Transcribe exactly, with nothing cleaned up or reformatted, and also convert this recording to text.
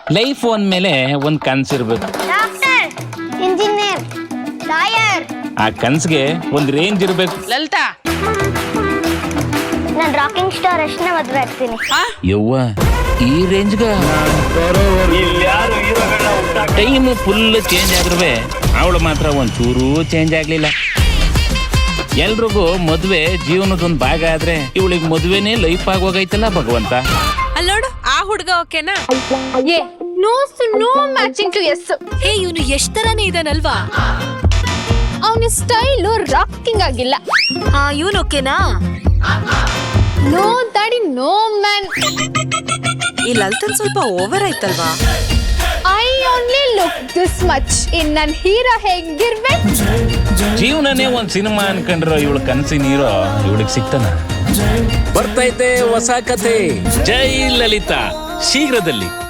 Life ಅಂದ್ಮೇಲೆ ಒಂದ್ ಕನ್ಸಿರ್ಬೇಕು. Doctor, engineer, lawyer. ಆ ಕನ್ಸ್ಗೆ ಒಂದ್ ರೇಂಜ್ ಇರ್ಬೇಕು. ಲಲಿತಾ, ನಾನು ರಾಕಿಂಗ್ ಸ್ಟಾರ್ ಅಷ್ಟೇ ಮದ್ವೆ ಆಗ್ತೀನಿ. ಯವ್ವ, ಈ ರೇಂಜ್ಗ ಟೈಮ್ ಫುಲ್ ಚೇಂಜ್ ಆಗಿರ್ವೆ, ಅವಳು ಮಾತ್ರ ಒಂದ್ ಚೂರು ಚೇಂಜ್ ಆಗ್ಲಿಲ್ಲ. ಎಲ್ರಿಗೂ ಮದ್ವೆ ಜೀವನದೊಂದ್ ಭಾಗ ಆದ್ರೆ ಇವಳಿಗೆ ಮದ್ವೆನೇ ಲೈಫ್ ಆಗೋಗೈತಲ್ಲ ಭಗವಂತ. ಅಲ್ಲೋಡು, ಆ ಹುಡ್ಗ ಓಕೆನಾ? ಏ no no matching to us. ಏ ಇವನು ಎಷ್ಟ್ ತರಾನೇ ಇದಾನಲ್ವಾ? ಅವನ ಸ್ಟೈಲು ರಾಕಿಂಗ್ ಆಗಿಲ್ಲ. ಆ ಇವನು ಓಕೆನಾ? No daddy, no man. ಈ ಲಲಿತನ್ ಸ್ವಲ್ಪ ಓವರ್ ಆಯ್ತಲ್ವಾ? I only look this much. ಇನ್ ನನ್ ಹೀರೋ ಹೇಗಿರ್ಬೇಕು? ಜೀವನನೇ ಒಂದ್ ಸಿನಿಮಾ ಅನ್ಕೊಂಡ್ರ ಇವಳು ಕನ್ಸಿನ ಹೀರೋ ಇವಳಿಗೆ ಸಿಗ್ತಾನ. ಬರ್ತೈತೆ ಹೊಸ ಕತೆ. ಜೈ ಲಲಿತಾ ಶೀಘ್ರದಲ್ಲಿ.